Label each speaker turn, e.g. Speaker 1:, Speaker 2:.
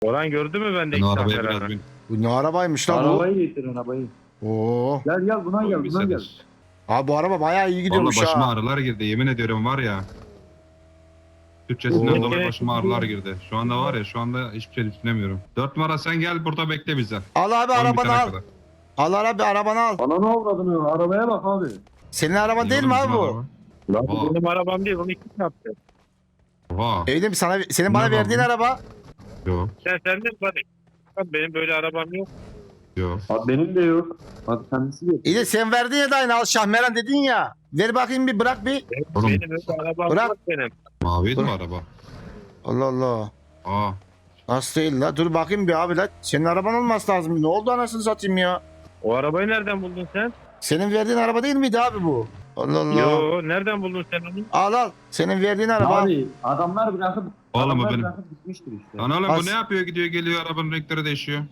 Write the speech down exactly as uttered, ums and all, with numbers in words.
Speaker 1: Orhan gördü mü bende
Speaker 2: Ben
Speaker 1: iki
Speaker 2: o arabaya
Speaker 1: tane
Speaker 2: biraz
Speaker 1: araba?
Speaker 2: bin.
Speaker 3: Bu ne arabaymış lan bu?
Speaker 4: Arabayı getirin arabayı.
Speaker 3: Oo.
Speaker 4: Gel gel buna gel
Speaker 2: Bir
Speaker 4: buna gel.
Speaker 2: sefer.
Speaker 3: Abi bu araba bayağı iyi
Speaker 2: Valla
Speaker 3: gidiyormuş
Speaker 2: başıma
Speaker 3: ha.
Speaker 2: ağrılar girdi. Yemin ediyorum var ya. Türkçesinden
Speaker 3: Oo.
Speaker 2: dolayı başıma ağrılar girdi. Şu anda var ya şu anda hiçbir şey düşünemiyorum. Dört numara sen gel burada bekle bize.
Speaker 3: Al abi
Speaker 2: Oyun
Speaker 3: arabanı
Speaker 2: bitene
Speaker 3: al.
Speaker 2: kadar.
Speaker 3: Al abi arabanı al.
Speaker 4: Bana ne avradın ya? Arabaya bak abi.
Speaker 3: Senin araban değil
Speaker 2: Oğlum
Speaker 3: mi
Speaker 2: bizim
Speaker 3: abi bu?
Speaker 2: araba.
Speaker 1: Lan
Speaker 2: Oha.
Speaker 1: bu benim arabam değil, onu kim yaptı?
Speaker 2: Oha.
Speaker 3: Evde sana senin bana
Speaker 2: Ne
Speaker 3: verdiğin
Speaker 2: araba?
Speaker 3: araba.
Speaker 2: Yok
Speaker 1: Sen sendin bana. Lan benim böyle arabam yok.
Speaker 2: yok.
Speaker 4: Abi benim de yok. Hadi kendisi getir.
Speaker 3: İyi de sen verdin ya da aynı al Şahmeran dedin ya. Ver bakayım bir bırak bir.
Speaker 1: Benim,
Speaker 2: Oğlum.
Speaker 1: benim öyle arabam
Speaker 3: Bırak.
Speaker 1: yok benim.
Speaker 2: Maviydi mi
Speaker 3: Dur.
Speaker 2: araba?
Speaker 3: Allah Allah.
Speaker 2: Aa.
Speaker 3: Nasıl değil la? Dur bakayım bir abi la. Senin araban olması lazım. Ne oldu anasını satayım ya?
Speaker 1: O arabayı nereden buldun sen?
Speaker 3: Senin verdiğin araba değil miydi abi bu? Allah Allah.
Speaker 1: Yo, nereden buldun sen onu?
Speaker 3: Al al. Senin verdiğin araba.
Speaker 4: Abi adamlar bırakıp
Speaker 2: Oğlum o
Speaker 4: adamlar
Speaker 2: benim.
Speaker 4: bırakıp gitmiştir işte.
Speaker 2: Lan oğlum
Speaker 3: As-
Speaker 2: bu ne yapıyor gidiyor geliyor arabanın renkleri değişiyor.